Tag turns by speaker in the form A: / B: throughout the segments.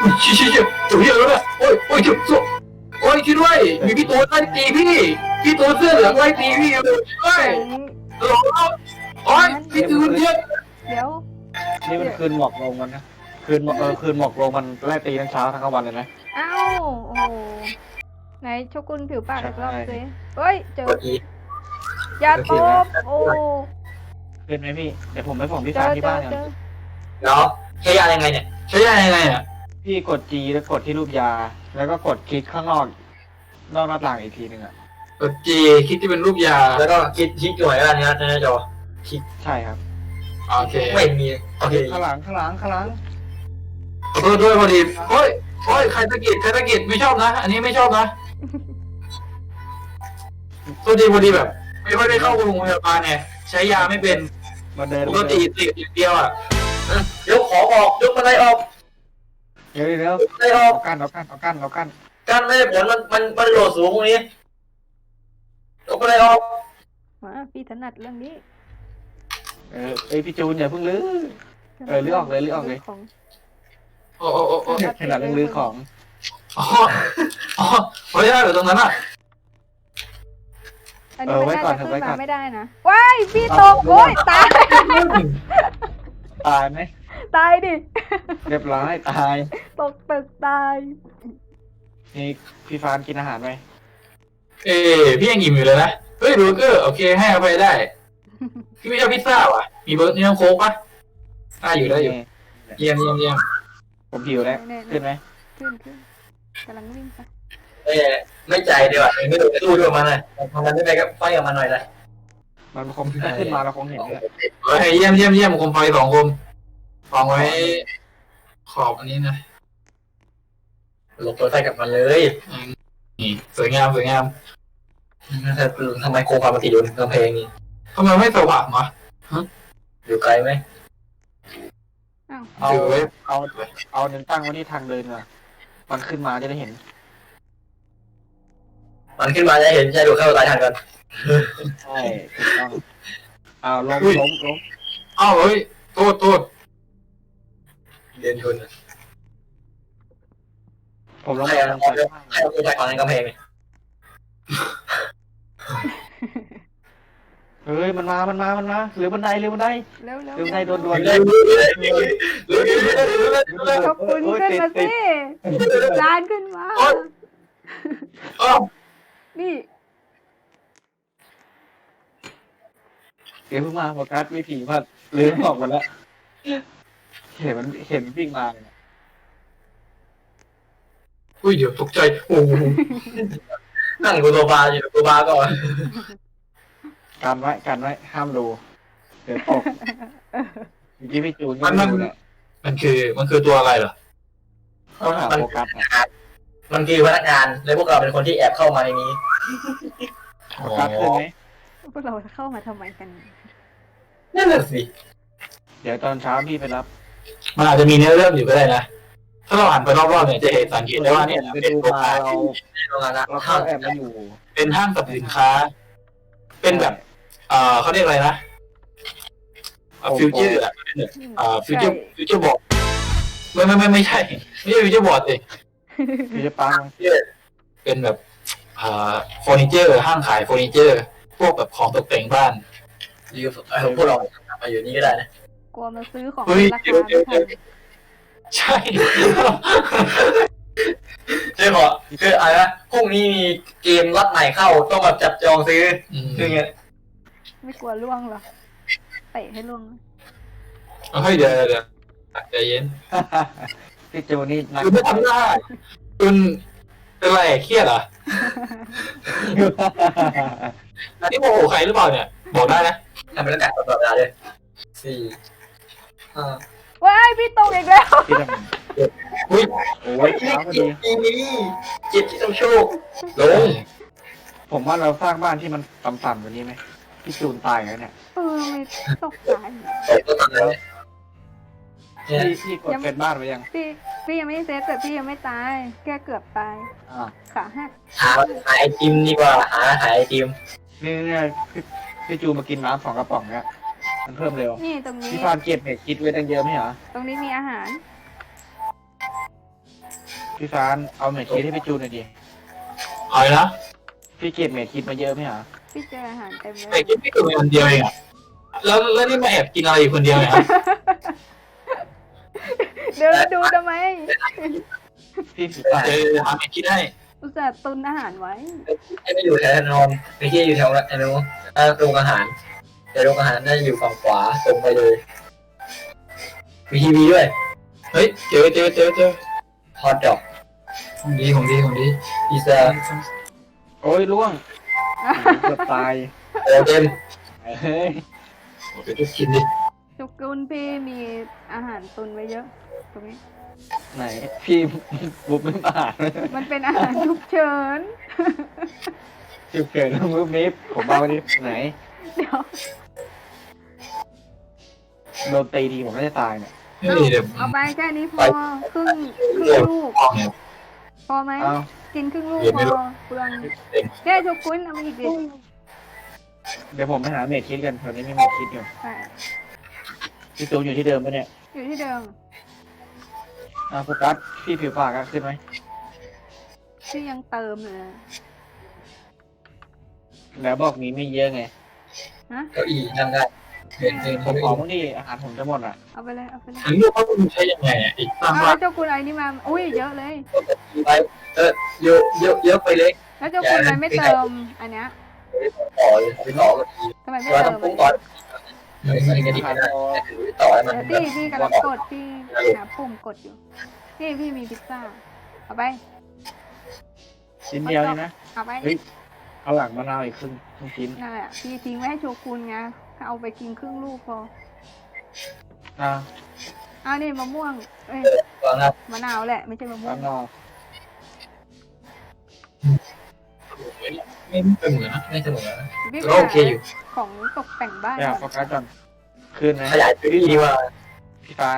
A: ชิจุดเยอะแล้วเนี่ยโอ้ยจุดโอ้ยช่วยด้วยมีพี่ตูนไล่ตีพี่ตูนเสื้อเหลืองไล่ตีพี่อยู่ช่วย
B: เสียง
A: โอ้ยพี่ตูนเยอะ
B: เดี๋ยว
C: นี่มันคืนหมอกลงมันนะคืนหมอกลงมันไล่ตีทั้งเช้าทั้งกลางวันเลยไหม
B: เอ้าโอ้โหไหนโชกุนผิวปากอีกรอบสิเฮ้ยเจออย่าตบโอ้
C: คืนไหมพี่เดี๋ยวผมไปส่งพี่
B: เจ
C: ฟา
B: อน
C: ที่
B: เจ
C: บ้า
B: อน
C: กัน
B: เจอ
D: แล้วใช้ยายังไงเนี่ย
A: ใช้ยังไงอ่ะ
C: พี่กด G แล้วกดที่รูปยา แล้วก็กดคลิกข้างนอกหน้าต่างอีกทีหนึ่งอ่ะ
A: กดจีคิดที่เป็นรูปยา
D: แล้วก็คลิกหน่วยแล้วนะในหน้าจอ
C: ใช่ครับ
A: โอเค
D: ไม่มีโอเค
C: ข้างหลัง
A: ขอโทษด้วยพอดีโอ้ยใครตะกิดไม่ชอบนะ อันนี้ไม่ชอบนะพอดีแบบไม่ค่อยได้เข้าโรงพยาบาลไงใช้ยาไม่เป็น
C: มาเดิน
A: ปกติติดอย่างเดียวอ่ะ
D: ยกของออกยกอะไรออก
C: เดี๋ยว
D: อะไรออก
C: เอากั้น
D: การไม่ได้ผลมันโหลดสูงตรงนี้ยกอะไรออก
B: มาพี่ถนัดเรื่องนี้
C: พี่จูนอย่าเพิ่งลื้อลื้อออกเลย
B: ของ
A: โอ้
C: ขนาดลื้อของ
A: ไม่ได้เหรอตรงนั้นอ่ะ
B: อันนี้มันน่าจะขึ้นมาไม่ได้นะว้ายพี่ตกโอ้ยตาย
C: ตายไหม
B: ตายดิ
C: เรียบร้อยตาย
B: ตกตึกตาย
C: นี่พี่ฟานกินอาหารไหม
A: พี่ยังอิ่มอยู่เลยนะเฮ้ยเบอร์เกอร์โอเคให้อภัยได้พี่ไม่ชอบพิซซ่าว่ะมีเบอร์นี่น้ำโค้กปะอยู่ได้อยู่เยี่ยม
C: ผมหิวแล้วขึ้นไหม
B: ขึ้นกำลังวิ่งไป
D: ไม่ใจดีว่ะไม่โดนสู้ด้วยมันเลยมันไม่ไปก็ไฟกับมันหน่อยเลย
C: มันคงขึ้นมาเราคงเห็นเลย
A: เฮ้ยเยี่ยมคมไฟ2 คมวางไว้ขอบอันนี้นะ
D: หลบตัวไฟกับมันเลย
A: นี่สวยงาม
D: ทำไมโคความมันติดอยู่กำแพงนี่
A: ทำไมไม่สว่างวะ
D: อยู่ไกลไหม
C: เอา
A: ถือไว้
C: เอาเดินตั้งไว้ที่ทางเดินก่อนมันขึ้นมาจะได้เห็น
D: มันขึ้นมาจะเห็นใช่ดูเข้าตายทันกัน
C: ใช่ถูกต้องเอาล้ม
A: อ้าวเฮ้ยโทษ
D: เดินชน
C: ผมล้ม
D: ใครเอาตัวไฟของในกำแพงเนี่ย
C: เฮ้ยมันมาหรือบันได
B: เร็ว
C: หรือบันไดโดนด่วน
D: เลย
B: ขอบคุณขึ้นมาสิจานขึ้นมา
A: อ้าว
B: นี่
C: เดี๋ยวเพิ่งมาโฟกัสไม่ผีมาลืมออกหมดแล้วเห็นมันวิ่งมาเลย
A: อุ้ยเดี๋ยวตกใจโอ้
D: นั่งดูตัวบาร์อยู่ตัวบาร์ก่อน
C: กันไว้ห้ามดูเดี๋ยวตกเมื่อกี้พี่จูนก็ไม่ดูเนี่ย
A: มันคือตัวอะไรเหรอ
C: ต้องหาโฟกัสเนี่ย
D: มันคือพนักงานและพวกเราเป็นคนที่แอบเข้ามาในนี้
C: โฟกัสขึ้นไหม
B: พวกเราเข้ามาทำไมกัน
D: นั่นแหละสิ
C: เดี๋ยวตอนเช้าพี่ไปรับ
A: มันอาจจะมีเนื้อเรื่องอยู่ก็ได้นะถ้าเราอ่านไปรอบๆเนี่ยจะเห็นสังเกตได้ว่าเนี่ย
C: ไป
A: เป็น
C: ดู
A: โรง
C: มาง
A: าน
C: เรา
D: โรงงานละ
C: เข้าแอบมาอยู่
A: เป็นห้างสรรพสินค้า เป็นแบบเขาเรียกอะไรนะฟิวเจอร์ฟิวเจอร์บอร์ดไม่ใช่ฟิวเจอร์บอร์ดสิ
C: พี่จะปัง
A: เป็นแบบเฟอร์นิเจอร์ห้างขายเฟอร์นิเจอร์พวกแบบของตกแต่งบ้าน
D: ยืมพวกเรามาอยู่นี่ก็ได้นะ
B: กลัวมาซื้อของ
A: เฮ้ย
B: ราคาไม่ทัน
A: ใช่
D: ใช่พอคืออะไรนะพรุ่งนี้มีเกมล็อตใหม่เข้าต้องมาจับจองซื้อคือไง
B: ไม่กลัวล่วงหรอเตะให้ล่วง
A: เฮ้ยเดี๋ยวใจเย็น
C: พี่จูนี่นัก
A: คุณไม่ทำได้คุณเป็นไรเครียดเหรออันนี้โมโหใครหรือเปล่าเนี่ยบอกได้นะ
D: ทำบรรยากาศตลอดเวลาเลย4
B: ว้ายพี่ตกอีกแล้ว
C: พี่ท
A: อุ้ย
C: ำโอ้ยเช้าพอดี
D: จิตที่ต้องโชคลง
C: ผมว่าเราสร้างบ้านที่มันต่ำๆกว่านี้ไหมพี่จูนตายแล้วเนี่ย
B: ไม่ตกใจ
C: พี่กดเป็นบ้านไปยัง
B: พี่ยังไม่เซตแต่พี่ยังไม่ตายแค่เกือบตาย ขาหัก
D: หาไอติมดีกว่าหาไอติม
C: เนี่ยพี่จูนมากินน้ำ2 กระป๋องเนี่ยมันเพิ่มเร็ว
B: นี่ตรงนี้
C: พี่ฟานเก็บเห็ดคิดไว้ตั้งเยอะไหมเหรอ
B: ตรงนี้มีอาหาร
C: พี่ฟานเอาเมทคิดให้พี่จูนหน่อยดิ
A: เอาเลยนะ
C: พี่เก็บเมทคิดมาเยอะไหมฮะ
B: พี่เจออาหารเต็มเล
A: แต่
B: ย
A: กินไม่เกินคนเดียวเองอะแล้วนี่มาแอบกินอะไรอยู่คนเดียวเนี่ย
B: เดินดูทำไม
C: พี่ผีป่า
A: เจอหาไม่คิดให้
B: อุตส่าห์ตุนอาหารไว้
D: ให้ไปอยู่แถวนอนไปที่อยู่แถวไอ้นู้นโรงอาหารแต่โรงอาหารน่าจะอยู่ฝั่งขวาตรงไปเลยมีทีวีด้วย
A: เฮ้ยเจอ
D: ฮอตดอก
A: ของดี
D: พิซซ่า
C: โอ้ยล่วงเกือบตาย
D: โอเต็ม
C: เฮ้ย
A: โอ้ไปทุกกินดิ
B: จุกุลพี่มีอาหารตุนไว้เยอะ ตรงนี้
C: ไหนพี่บุบไม่มา
B: มันเป็นอาหารฉุกเฉิน
C: จุดเกิดมือมิฟผมเอาดิไหน
B: เดี๋ยว
C: โดนตีดีผมก็จะตายเนี่ย
A: นี่เดี๋ยว
B: เอาไปแค่นี้พอครึ่งลูก
A: ห้องเนี่ย
B: พอไหม
C: เอา
B: กินครึ่งลูก
A: เดี๋ยว
B: พ
A: ไม่รู้
B: อเปลืองเนี่ยจุกุลเอามาอีกดิ
C: เดี๋ยวผมไปหาเมทคิดกันตอนนี้ไม่เมทคิดอยู่
B: ใช่
C: พี่ตูนอยู่ที่เดิมปะเนี่ย
B: อยู่ที่เดิม
C: โฟกัสพี่ผิวปากขึ้นไหม
B: ที่ยังเติมเลย
C: แล้วบอกมีไม่เยอะไง
B: ฮะ
D: เก้าอี้นั่งได้เดิน
C: ผมขอบ้างดิอาหารผมจะหมดอ่ะ
B: เอาไปเลยเอาไปเลย
A: อันนี้ว่ามันใช้ยังไงอ่ะอีกตั้ง
B: เอา
A: ว่า
B: แล้วเจ้ากุลอะไรนี่มาอุ้ยเยอะเลย
D: ไปเยอะไปเลย
B: แล้วเจ้ากุลอะไรไม่เติมอันเนี้ย
D: ต่อเลยไปต่อกัน
B: ทำไมไม่
D: ว่า
B: เติ
D: ต้อง
B: ม
D: ปรุงก่อนมันจะดีไม่ได้ต่อให้มัน
B: เดี๋ยวพี่กำลังกดพี่หาปุ่มกดอยู่พี่มีพิซซ่าเอาไป
C: ชิ้นเดียวนี่นะ
B: เอาไป
C: เฮ้ย เอาหลังมะนาวอีกครึ่งชิ้น
B: นั่นแหละพี่ทิ้งไว้ให้โชกุนไงเอาไปกินครึ่งลูกพอ
C: อ่า
B: เอานี่มะม่วงเอ้ย
D: ก่อนครับ
B: มะนาวแหละไม่ใช่มะม่ว
C: ข้าง งนอก
A: ไม่เป็นเหมือนนะ
D: ไม่เสมอ
B: พี่
A: ก็โอเคอยู่
B: ของตกแต่งบ้าน
C: อยากโฟกัสก่อนคืนไหม
D: ขยายพื้นที่ดีกว่า
C: พี่ฟาน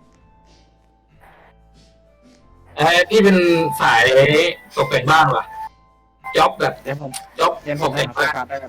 A: พี่เป็นสายตกแต่งบ้านว่ะจ็อบแบบ
C: เดี๋ยวผม
A: จ็อบ
C: เดี๋ยวผ
A: ต
C: ม
A: ก
C: ให้
A: แต่ง
C: โฟ
A: บ้าน
C: กัสได้กัน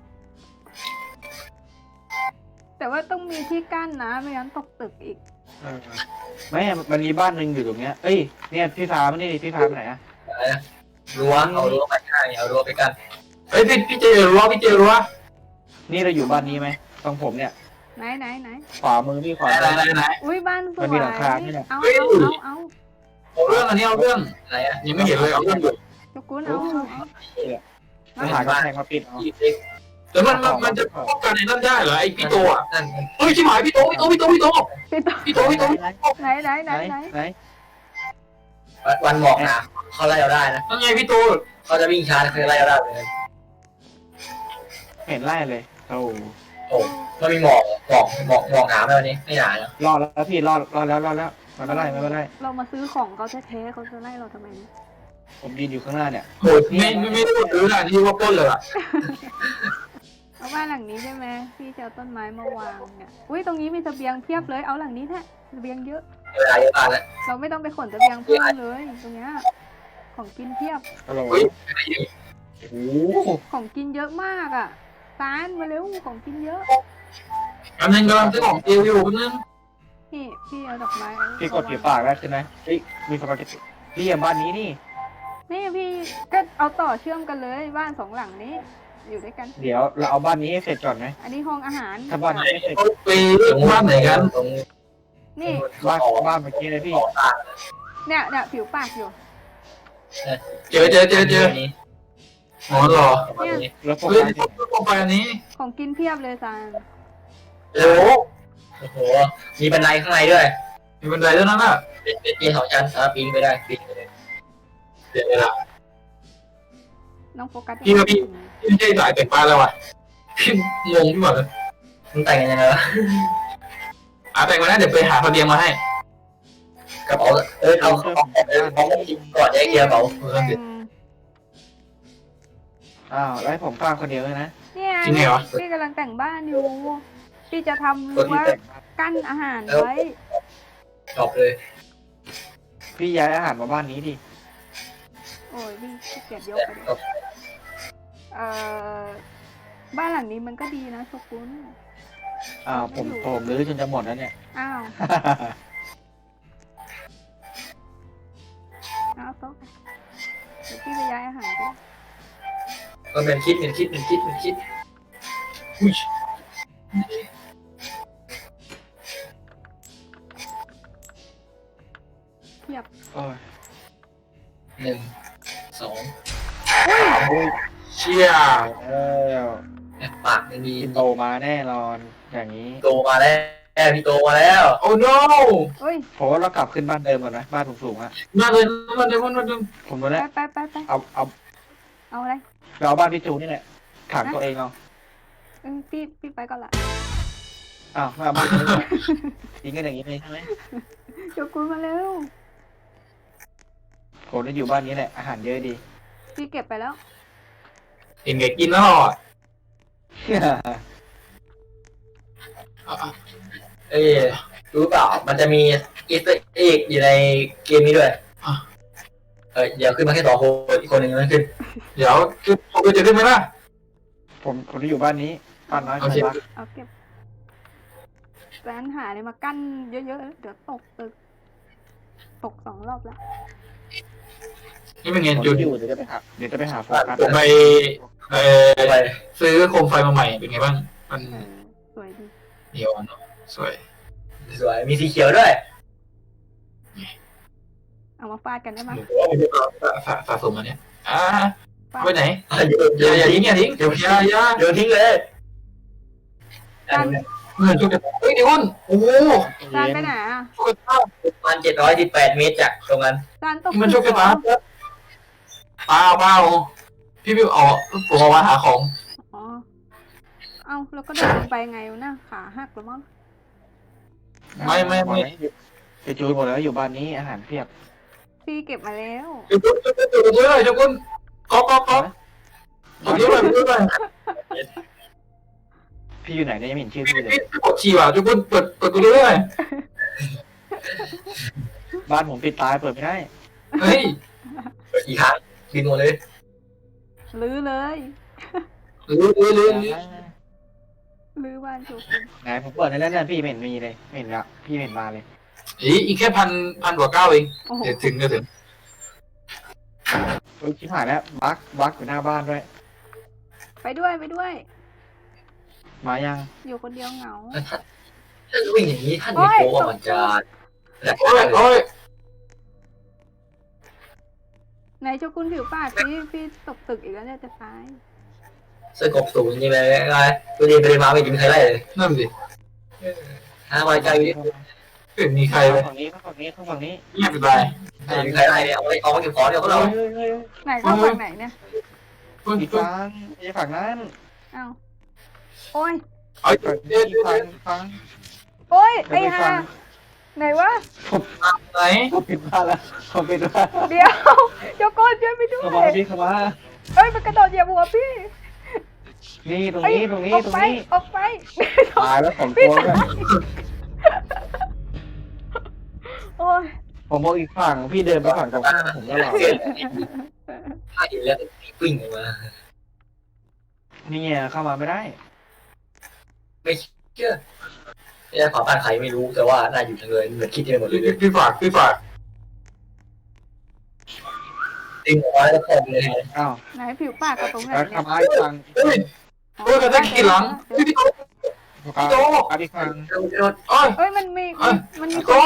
B: แต่ว่าต้องมีที่กั้นนะไม่งั้นตกตึกอีก
C: ไม่มันมีบ้านหนึ่งอยู่ตรงเนี้ยเอ้ยเนี่ยพี่ฟ้ามันนี่พี่ฟ้าไปไหนอะ
D: อะไรนะรั้วเอารั้วไปข้างเอารั้วไปกัน
A: เฮ้ยพี่เจรั้ว
C: นี่เราอยู่บ้านนี้ไหมตรงผมเนี่ย
B: ไหน
C: ขวามือพี่ขวา
A: ไหน
B: อุ้ยบ้านสวย
C: มันมีหลังคาไหมเนี่ย
B: เอา
A: เอาเรื่องอันนี้เอาเรื่อง
D: อะไรอ่ะ
A: ยังไม่เห็นเลยเอาเรื่องอยู่
B: โชกุนเอา
C: ไปหากระแพงมาปิดเอา
D: ยี่สิบ
A: แต่มันจะป้องกันในนั่นได้เหรอไอ้พี่โตอ่ะ
D: นั่น
A: เฮ้ยชิบหายพี่โต
B: พี่ต่อ ไหน
C: ไหน
D: วันหมอกหนาเขาไล่เราได้นะ
A: นั่นไงพี่โต
D: เขาจะวิ่งช้าคือไล่เราได้เลย
C: เห็นไล่เลยโอ้
D: โอ้มันมีหมอกหนาไหมวันนี้ไม่หนานะ
C: รอดแล้วพี่รอดแล้วมันไม่ไล่
B: เรามาซื้อของเขาแท้ๆเขาจะไล่เราทำไมเนี่ย
C: ผมยืนอยู่ข้างหน้าเนี่ย
A: โหไม่ได้ซื้อนะนี่ว่าปล้นเลยอ่ะ
B: เอาบ้านหลังนี้ใช่ไหมพี่จะเอาต้นไม้มาวางเนี่ยอุ้ยตรงนี้มีเสบียงเพียบเลยเอาหลังนี้แท้เสบียงเยอะ
D: เวลาเยอะมากแล้ว
B: เราไม่ต้องไปขนเสบียงเพิ่มเลยตรงเนี้ยของกินเพียบ
C: ฮัลโหล
A: เฮ้ย
C: โอ้โห
B: ของกินเยอะมากอ่ะตานมาเร็วของกินเยอะ
A: อันนึงกำลังซื้อของเตียวอยู่นึง
B: นี่พี่เอาดอกไม้
C: พี่กดผิวปากได้ใช่ไหมเฮ้ยมีสปาเกตตี้พี่บ้านนี้นี่
B: นี่พี่ก็เอาต่อเชื่อมกันเลยบ้านสองหลังนี้ อยู่ด้วยกัน
C: เดี๋ยวเราเอาบ้านนี้ให้เสร็จก่อนไหม
B: อันนี้ห้องอาหาร
C: ถ้าบ้านนี้ไม่เสร็จ
A: ไปบ้านไหนกัน
D: ตรง
B: นี่
C: บ้านเมื่อกี้เลยพี่
B: เนี่ยผิวปากอยู่
A: เจออ๋อหรอ
C: แล้วโฟ
A: เฮ้ย
C: กัส
A: ลงไปอันนี้
B: ของกินเพียบเลยซาน
A: โอ้
D: โอ้โหมีบันไดข้างในด้วย
A: มีบันไดด้วยนั่นน่ะ
D: เป็นเตียง2 ชั้นปีนไปได้ปีนไปเลย
A: เดี๋ยวละ
B: น้องโฟกัส
A: พี่ไม่ใช่สายแต่งบ้านแล้วว่ะพี่งงพี่หมดเลย
D: มันแต่งกันยังไงวะ
A: แต่งมาแล้วเดี๋ยวไปหาเสบียงมาให้
D: กระเป๋าเอาของจริงก่อนแยกเกียร์กระเป๋า
B: แต่ง
C: อ้าวแล้วให้ผมฟังคนเดียวเลยนะ
B: เนี่ย
A: จริงไงวะ
B: พี่กำลังแต่งบ้านอยู่พี่จะทำ
C: ตัว
B: รั้
C: ที่
B: ว
C: แต่ง
B: กั้นอาหารไว้
D: จบเลย
C: พี่ย้ายอาหารมาบ้านนี้ดิ
B: โอ้ยพี่ขี้เกียจยกไปเลยบ้านหลังนี้มันก็ดีนะโชกุน
C: ผมรื้อจนจะหมดแล้วเนี่ย
B: อ้าวต๊ะไปเดี๋ยวพี่ไปย้ายอาหารไป
D: ก็เป็นคิดเป็นคิดเป็นคิดเป็นคิด
A: อุ้ย
B: เพียบ
C: โอ้ย
D: 1 2
C: โอ้ย
A: เชี่ย
C: แล้ว
D: ปากไม่มี
C: พี่โตมาแน่นอนอย่างนี้
D: โตมาแล้วพี่โตมาแล้ว
A: โอ้ no
B: เฮ้ย
C: ผมว่าเรากลับขึ้นบ้านเดิมก่อนนะบ้านสูงๆอะ
A: มาเลยมาเลยมาเลย
C: ผมรู้
B: ไป
C: แล้ว
B: ไป
C: เอา
B: เอาอะไร
C: เราเอาบ้านพี่จูนี่แหละขังตัวเองเอา
B: พี่ไปก่อนละ
C: อ้าวไม่เอาบ้านนี้ทิ้งกันอย่างนี้เลยใช่ไหม
B: โชกุนมาเร็ว
C: ผมจะอยู่บ้านนี้แหละอาหารเยอะดี
B: พี่เก็บไปแล้ว
A: เห็นแกกินแล้วอ่ะ
D: เอ้ยรู้เปล่ามันจะมีอีสเตอร์เอ็กอยู่ในเกมนี้ด้วยเดี๋ยวขึ้นมาแค่2 คนอีกคนหนึ่งมันขึ้น
A: เดี๋ยวคือผมจะขึ้นไหมล่ะ
C: ผมจะอยู่บ้านนี้บ้านน้อย
A: โอ
C: ใคร
A: เค
C: รัก
B: เอาเก็บแฟนหาอะไรมากั้นเยอะๆเดี๋ยวตกตึกตก2 รอบแล้ว
A: นี่เป็นไง
C: ผม
A: จุด
C: จะอยู่เดี๋ยวจะไปหาโฟกัส
A: ผมไปเอ่อ
D: ไป
A: ซื้อโคมไฟมาใหม่เป็นไงบ้าง มัน
B: สวยดี
A: เดียวเนาะสวย
D: สวยมีสีเขียวด้วย
B: เอามาฟาดกันได้ไหม
A: หนูว่ามันจะสะสมมาเนี่ยไปไหน
D: โยน
A: อย่าทิ้งอย่าทิ้งอย่า
D: โยนทิ้งเลย
A: เงินชุกเฮ้ยเดี๋ยวโอ้โห
B: จานไปไหนอ่ะ
A: ชุกตา
D: ประมาณ718 เมตรจากตรงนั้น
B: จานตก
A: มันชุกตาเปล่าพี่พี่เอาผมเอามาหาของ
B: อ๋อเอาแล้วก็เดินลงไปไงวะน่ะขาหักหรือมั้ง
A: ไม่
C: ไปจูนหมดแล้วอยู่บ้านนี้อาหารเพียบ
B: พี่เก็บมาแล้ว
A: ชุกเลยชุกคุณก๊อกผมด้วย
C: พี่อยู่ไหนเนี่ยยังไม่เห็นชื่อพี่เลย
A: พี่กดฉี่ว่ะชุกคุณเปิดกูด้วย
C: บ้านผมปิดตายเปิดไม่ได้
A: เฮ้ย
D: อีกครั้งบินหมดเลย
B: ลื้อเลย
A: ลืม
B: ลื้อบ้านโชกุน
C: ไหนผมเปิดในแล้วเนี่ยพี่ไม่เห็นมีเลยไม่เห็นละพี่ไม่เห็นมาเลย
A: อีกแค่พันกว่า9เอง
B: โอ้โห
A: เดี๋ยวถึง
C: โอ้ยชิบหายแล้วบักอยู่หน้าบ้านด้วย
B: ไปด้วย
C: มายัง
B: อยู่คนเดียวเหงา
D: ถ้าวิ่งอย่างนี้ท่านมีโค้งมันจะแหลก
A: โอ้ย
B: ไหนโชกุนผิวปากพี่ตกตึกอีกแล้วเนี่ยจะตาย
D: เสื้อกบสูงจริงเลยไงตัวนี้ไปมาไม่มีใครไล่เลย
A: นั่นสิ
D: ไว้ใจไม่
A: ไม่มีใครเลย
C: ฝั่งนี้ฝั่งนี้
A: เงียบไป
D: มีใครไล่เอาไว้เก็บของเดี๋ยวก็เรา
B: ไหนเข้าฝั่งไหนเนี่ย
C: อีกฝั่งอีกฝั่งนั้น
B: เอ้าโอ้ย
A: เอา
C: ฝั่ง
A: เดี๋ยว
C: อีกฝั่ง
B: โอ้ยไอ้
C: อีก
B: ห่า
C: ฝั่ง
B: ไหนวะ
A: ไหน
C: ผมปิดบ้านแล้วผมปิดบ้าน
B: เดี๋ยวโชกุนช่วยไปด้ว
C: เข้ามาพี่เข้ามา
B: เอ้ยมันกระโดดเหยียบหัวพี่
C: นี่ตรง
B: เอ้ย
C: นี้ตรงนี้
B: ออก
C: ตรง
B: ไป
C: นี้
B: ออกไป
C: ตายแล้วของ
B: พี่
C: ตัว
B: ตายโอ้ย
C: ผมมองอีกฝั่งพี่เดินไปฝั่งตรงข้ามผมก็หลอก
D: ถ้าเห็นแล้ววิ่งออกมา
C: นี่ไงเข้ามาไม่ได้
D: ไม่เชื่อไม่ได้ขอบ้านใครไม่รู้แต่ว่าน่าอยู่จังเลยเหมือนคิดเองหมดเลย
A: พี่ฝาก
D: จริงออกมาแล้วก็เลย
C: อ้าว
B: ไหนผิวปากกับตรงไหน
C: แล้ว
B: เนี่ย
C: ทำไมอีกฝั่ง
A: เฮ้ยกระทั่งกี่หลังพี่โต
C: ครับเอาอีกฝั่ง
A: โอ้ย
B: เอ้ยมันมี
A: พี่โต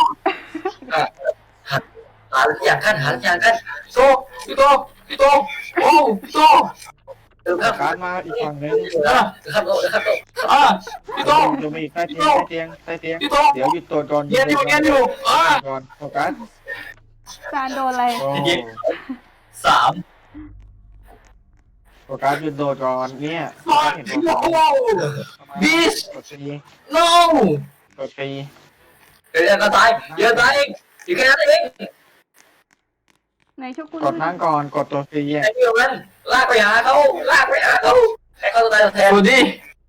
D: หาอย่างขั้นหาอย่างขั้น
A: พี่โตโอ้พี่โต
C: การมาอีกฝั่งนึง
D: ครับโตครับโต
A: พี่โต
C: ลงมาอีกใต้เตียง
A: พี่โต
C: เดี๋ยวหยุดตัวก่อน
A: เงียบอยู่
C: ก่อนโฟกัส
B: จานโดนอะไร
D: 3
C: โฟกัสหยุดโดดก่อนเนี่ยเห็น
A: ว้าวบีช
C: กดตี
A: no
C: กดตี
D: เดี๋ยวก็ตายเดี๋ยวตายเองอยู่แค่นั้นเอง
B: ไหนโชกุน
C: กดนั่งก่อนกดตัวตี
D: ไอ้เดียวนั้นลากไปหาเขาให้เขาตายแทน
A: สวัสดี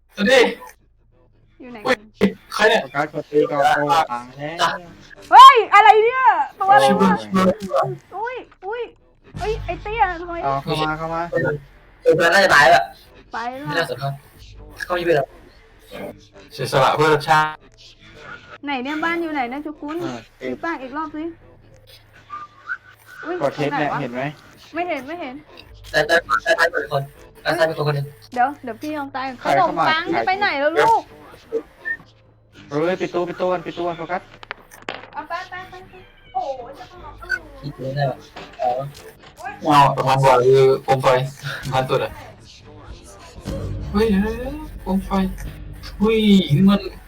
B: อยู่ไหน
A: อุ้
B: กั
A: ย
B: น
A: ใครเนี่ย
C: โฟกัสกดตีก่อนโอ้ตายแล้ว
B: เฮ้ยอะไรเนี่ยตัวอะไร
A: ชิบ
B: วะ
A: ะ
B: อุ้ยเอ้ยไอ้เตี้ยทำไม
C: เอาเข้ามา
D: เพื่อนน่าจะตายแล้ว
B: ไป
D: ไม่
B: ละ
D: น่าสนใจเขาไม่เป็นไร
A: เสียสละเพื่อชาติ
B: ไหนเนี่ยบ้านอยู่ไหนนะโชกุน
C: เออ
B: ผิวปากอีกรอบสิอุ้ย
C: กดเทปเนี่ย
B: ตรงไหวะ
C: เห็นไหม
B: ไม่เห็นไม่เห็น
D: แต่ท้ายเป็นคนท้ายเป็นคนนึง
B: เดี๋ยวพี่ยอมตายขนมปังจะไปไหนแล้วลูก
C: เฮ้ยปิดตัวกันโฟกัส
B: เอาไปโอ้ยจะต้อง
D: คิดเลยนะอ๋อ
A: เงาประมาณว่าคือโคมไฟพันตัวอ่ะเฮ้ยโคมไฟเฮ้ยมัน